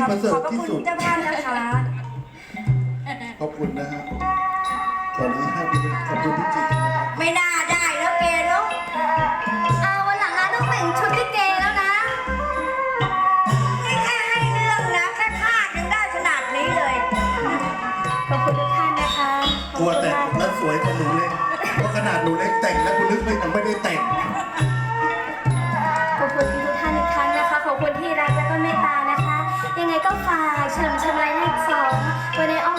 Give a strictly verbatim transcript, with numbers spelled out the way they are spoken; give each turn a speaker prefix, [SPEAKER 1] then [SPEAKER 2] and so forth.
[SPEAKER 1] ประเสริ
[SPEAKER 2] ข
[SPEAKER 1] ฐ
[SPEAKER 2] อบพระ
[SPEAKER 1] ที่
[SPEAKER 2] คุณ
[SPEAKER 1] สุด
[SPEAKER 2] เจ้าภาพนะคะ
[SPEAKER 1] ขอบคุณนะฮะตอนนี้ให้ไปเลยขอบคุณพี่จิตรนะครับ
[SPEAKER 2] ไม่น่าได้แล้วเกเนาะ
[SPEAKER 3] เอาวันหลังนะต้องแต่งชุดลิเกแล้วนะ
[SPEAKER 2] นี่แค่ให้เรื่องนะแค่คาดยังได้ขนาดนี้เลย
[SPEAKER 3] ขอบคุณทุกท่านนะคะขอบ
[SPEAKER 1] กลัว
[SPEAKER 3] คุณ
[SPEAKER 1] แต่ง
[SPEAKER 3] มาก
[SPEAKER 1] แล้วสวยกว่าหนูเล็กเพราะขนาดหนูเล็กแต่งแล้วคุณลึกไม่ยังไม่ได้แต่ง
[SPEAKER 3] ขอบคุณทุกท่านอีกครั้งนะคะ ขอบคุณที่รักและก็เมตตานะคะ ยังไงก็ฝากเฉลิมชมรายเลขสองไว้ในอ้อม